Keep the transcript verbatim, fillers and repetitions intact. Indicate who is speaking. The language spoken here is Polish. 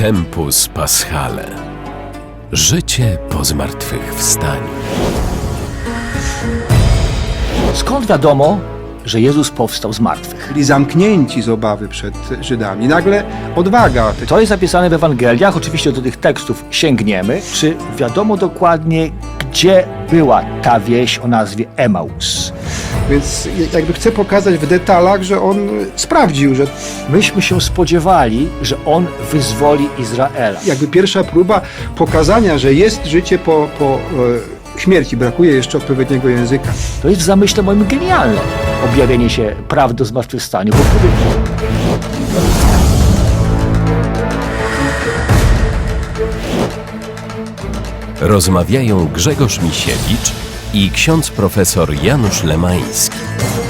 Speaker 1: Tempus Paschale. Życie po zmartwychwstaniu.
Speaker 2: Skąd wiadomo, że Jezus powstał z martwych?
Speaker 3: Byli zamknięci z obawy przed Żydami. Nagle odwaga.
Speaker 2: To jest zapisane w Ewangeliach, oczywiście do tych tekstów sięgniemy. Czy wiadomo dokładnie, gdzie była ta wieś o nazwie Emaus?
Speaker 3: Więc jakby chcę pokazać w detalach, że on sprawdził, że
Speaker 2: Myśmy się spodziewali, że On wyzwoli Izraela.
Speaker 3: jakby pierwsza próba pokazania, że jest życie po, po e, śmierci. Brakuje jeszcze odpowiedniego języka.
Speaker 2: To jest w zamyśle moim genialne objawienie się prawdy o zmartwychwstaniu, bo wtedy
Speaker 1: Rozmawiają Grzegorz Misiewicz i ksiądz profesor Janusz Lemański.